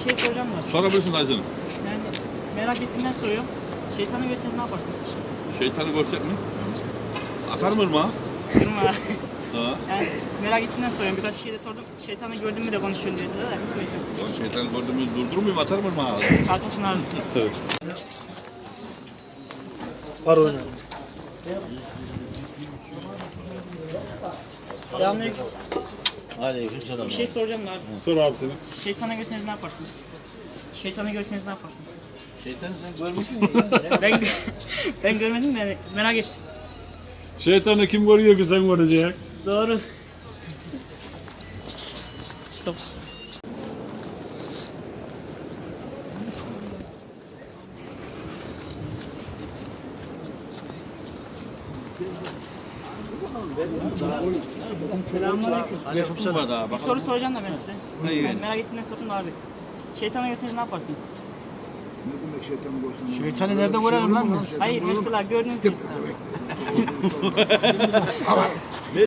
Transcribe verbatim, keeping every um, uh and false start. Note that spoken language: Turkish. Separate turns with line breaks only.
şey soracağım da.
Sorabilirsin dayısını.
Yani merak ettiğimden soruyorum. Şeytanı görseniz ne yaparsınız?
Şeytanı görsek mi? Atar mı ırmağa?
Kırma.
Ha.
Yani merak ettiğimden soruyorum. Birkaç şey de sordum. Şeytanı gördün mü de konuşuyorsun dediler de. Neyse.
Lan şeytanı gördüğümüz durdurur muyum? Atar mı ırmağa?
Haklısın abi.
Var oyna.
Selamünaleyküm.
Aleykümselam.
Bir şey soracağım da abi.
Sor abi seni.
Şeytanı görseniz ne yaparsınız? Şeytanı görseniz ne yaparsınız?
Şeytanı sen görmüş müydün?
Ben ben görmedim de yani merak ettim.
Şeytanı kim koruyor ki sen koruyacaksın?
Doğru. Stop. Selamünaleyküm.
Aleykümselam.
Bir soru soracağım da ben size.
Hayır.
Ben merak ettiğimden sordum da abi. Şeytanı görseniz ne yaparsınız?
Ne demek şeytanı görsen?
Şeytanı nerede görelim lan biz?
Hayır mesela gördüğünüz gibi.